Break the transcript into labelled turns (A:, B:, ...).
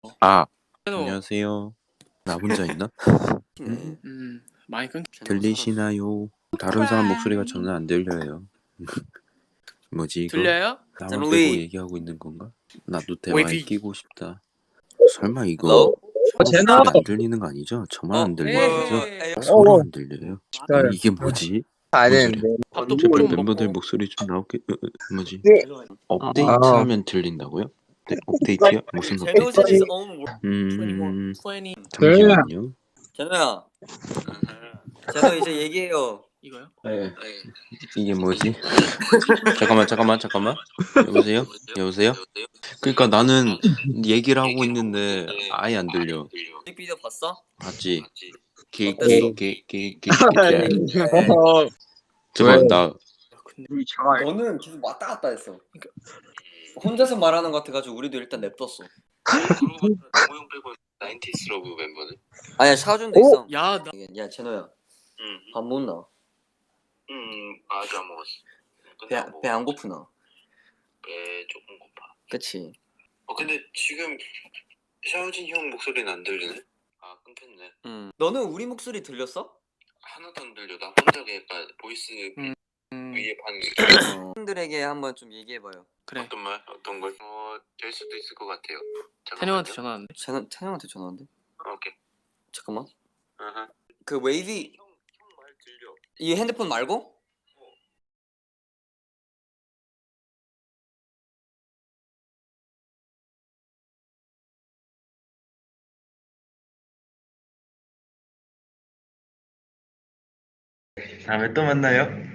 A: 아,
B: 어.
A: 안녕하세요. 나 혼자 있나?
B: 네. 많이 끊.
A: 들리시나요? 다른 사람 목소리가 저는 안 들려요. 뭐지 이거?
B: 들려요?
A: 나만 빼고 얘기하고 있는 건가? 나도 대화에
B: 웨이비.
A: 끼고 싶다. 설마 이거
C: Hello?
A: 서로
D: 제노!
A: 목소리 안 들리는 거 아니죠? 저만 안 들리는 거죠?
B: 에이.
A: 서로 안 들려요? 이게 뭐지?
D: 안
A: 뭔 소리야?
D: 되는데.
B: 밥도
A: 제발
B: 좀
A: 멤버들
B: 먹고.
A: 목소리 좀 나오게. 뭐지?
D: 네.
A: 업데이트하면 들린다고요? 네, 업데이트요? 무슨
C: 제노
A: 업데이트?
C: is own.
A: 음,
B: 20.
A: 잠시만요.
C: 제노야. 제노 이제 얘기해요.
B: 이거요?
A: 네. 이게 뭐지? 잠깐만. 여보세요? 그러니까 나는 얘기를 하고 있는데 아예 안 들려.
C: 뮤직비디오 봤어?
A: 봤지?
C: 어땠어?
A: 잠깐 나
B: 근데
C: 너는 계속 왔다 갔다 했어. 혼자서 말하는 것 같아가지고 우리도 일단 냅뒀어.
A: 정우영 빼고 나인티스 러브 멤버는?
C: 아니야 샤준도 있어.
B: 야, 나
C: 야 제노야.
A: 응.
C: 밥 못 나.
A: 아직 안 먹었어.
C: 배 안 고프나?
A: 배 조금 고파.
C: 그치.
A: 근데 지금 샤오진 형 목소리는 안 들리네? 아 끊겼네.
C: 너는 우리 목소리 들렸어?
A: 하나도 안 들려. 나 혼자 약간 보이스 위에 반
C: 팬들에게 한번 좀 얘기해봐요.
B: 그래.
A: 어떤 걸? 될 수도 있을 것 같아요.
B: 태녀한테 전화 왔는데.
C: 태영한테 전화한대.
A: 오케이.
C: 잠깐만.
A: 아하.
C: 그 웨이비
A: 형 말 들려.
C: 이 핸드폰 말고?
E: 다음에 또 만나요.